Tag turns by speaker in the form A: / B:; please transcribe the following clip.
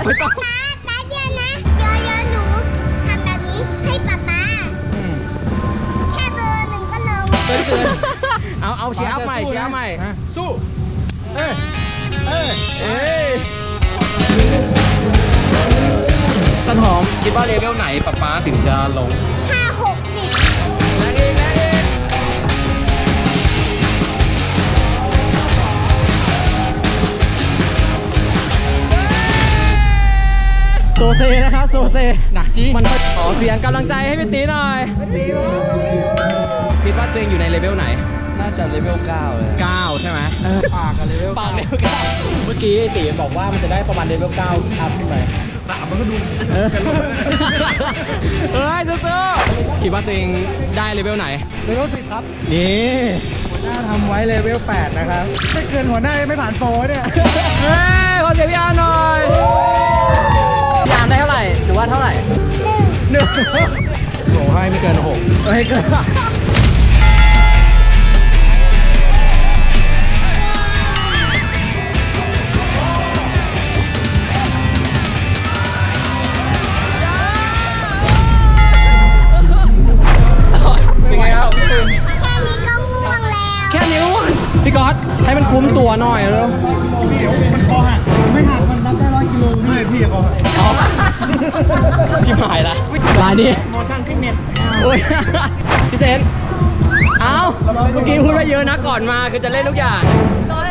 A: ไม่ต้อง
B: ป๊าแป๊บเดียวนะเดี๋ยวหนูทำแบบนี้ให้ป๊าแค่เบอร์หนึ่งก็ลง
A: เกินเอาเชียร์อัพใหม่เชียร์อัพใหม่สู้เอ้ยต้นหอมคิดว่าเลเวลไหนป๊าถึงจะลง
B: 5-6-10
A: แรงอีกโซเซนะครับโซเซหนักจริงมันขอเสียงกำลังใจให้พี่ตีหน่อยคิดว่าตัวเองอยู่ในเลเวลไหน
C: น่าจะเลเวล9เลย
A: 9ใช่ไหม
C: ปากกับเลเวล
A: ปากเลเวล9เมื่อกี้ตีบอกว่ามันจะได้ประมาณเลเวล9อัพขึ้นไป3มันก็ดูเฮ้ยสู้ๆคิดว่าตัวเองได้เลเวลไหน
C: เลเวล10ครับ
A: นี่
C: หัวหน้าทำไว้เลเวล8นะครับถ้าเกินหัวหน้าไม่ผ่านโปรเนี่ย
A: เฮ้ยขอเสียงพี่อาร์หน่อยพี่อาร์ได้เท่าไหร่หรือว่าเท่าไหร่1โหให้ไม่เกิน6ไม่เกินเป็นไงครับ
B: แค่นี้ก็ง่วงแล้ว
A: แค่นิ้วพี่ก๊อตให้มันคุ้มตัวหน่อยเลย
C: เดี๋ยวมันคอหักไม่หักมันรับได้100 กิโลไม่พี่คอหัก
A: ชิบหายละลายนี้
C: โมชั่นฟิตเนส
A: โอ้ยพี่เซนเอ้าเมื่อกี้พูดว่าเยอะนะก่อนมาคือจะเล่นทุกอย่าง